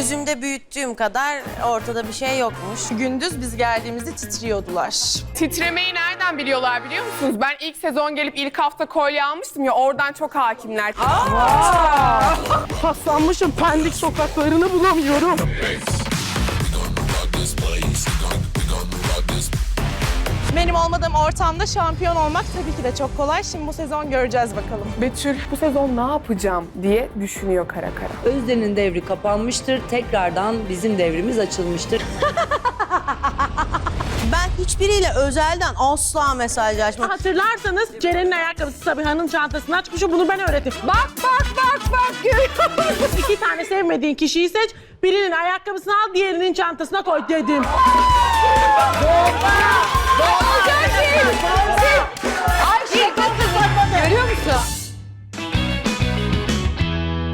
Gözümde büyüttüğüm kadar ortada bir şey yokmuş. Gündüz biz geldiğimizde titriyordular. Titremeyi nereden biliyorlar biliyor musunuz? Ben ilk sezon gelip ilk hafta kolye almıştım ya, oradan çok hakimler. Paslanmışım, Pendik sokaklarını bulamıyorum. Benim olmadığım ortamda şampiyon olmak tabii ki de çok kolay. Şimdi bu sezon göreceğiz bakalım. Betül bu sezon ne yapacağım diye düşünüyor kara kara. Özden'in devri kapanmıştır. Tekrardan bizim devrimiz açılmıştır. Ben hiçbiriyle özelden asla mesajlaşmam. Hatırlarsanız Ceren'in ayakkabısı Sabiha'nın çantasını açmışım. Bunu ben öğrettim. Bak görüyor musun? 2 tane sevmediğin kişiyi seç. Birinin ayakkabısını al, diğerinin çantasına koy dedim.